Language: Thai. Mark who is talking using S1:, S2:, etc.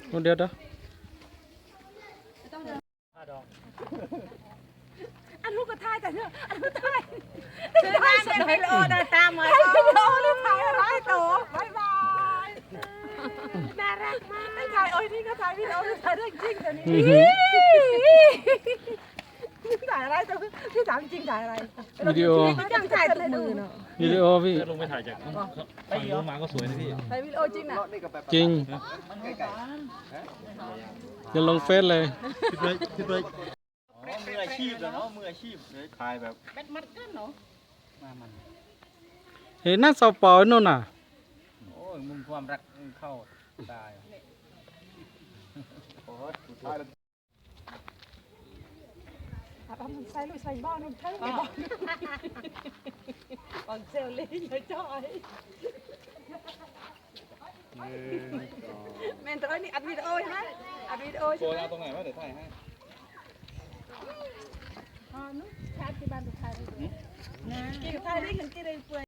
S1: เดี๋ยว
S2: อันลูกก็ถ่ายแต่เนอะอันลูกถ่าย
S3: คือตามเป็นวิดีโอเดินตามเหมือน
S2: ถ่ายวิดีโอนี่ถ่ายอะไรตัวบายบายน่ารักมากถ่ายโอ้ยนี่ก็ถ่ายวิดีโอถ่ายเรื่องจริงเดี๋ยวนี้ถ่ายอะไรตัวพี่ถามจริงถ่ายอะไร
S1: วิดีโอ
S2: ไม่ต้องถ่ายทุกมือเนาะ
S1: วิดีโอพี่
S4: ลงไปถ่ายจากฝั่งนู้นมาก็สวยนะพี่
S2: ถ่ายวิดีโอจริงนะ
S1: จริงจะลงเฟซเลย
S4: มืออาชีพแล้วเนาะมืออาชีพเลยถ่ายแบบ
S3: มัดกันเนาะ
S4: มามัน
S1: เห็นหน้าเสาเปล่าโน่นน่ะ
S4: โอ้ยมุมความรักเข้าตาย
S2: ใส่ลูกใส่บ้านนึงเท่าไหร่บ้านบางเซลลี่เลยจ้อยแม่นตัวนี้อัดวิดีโอฮะอัดวิดีโอ
S4: โก
S2: ใช่
S4: ย
S2: ไหม
S4: เอาตรงไหนวะเดี๋ยวถ่ายให้
S2: อ๋อนู้นชาร์จที่บ้านตัวไทยกินไทยได้เงินกินได้เปื่อย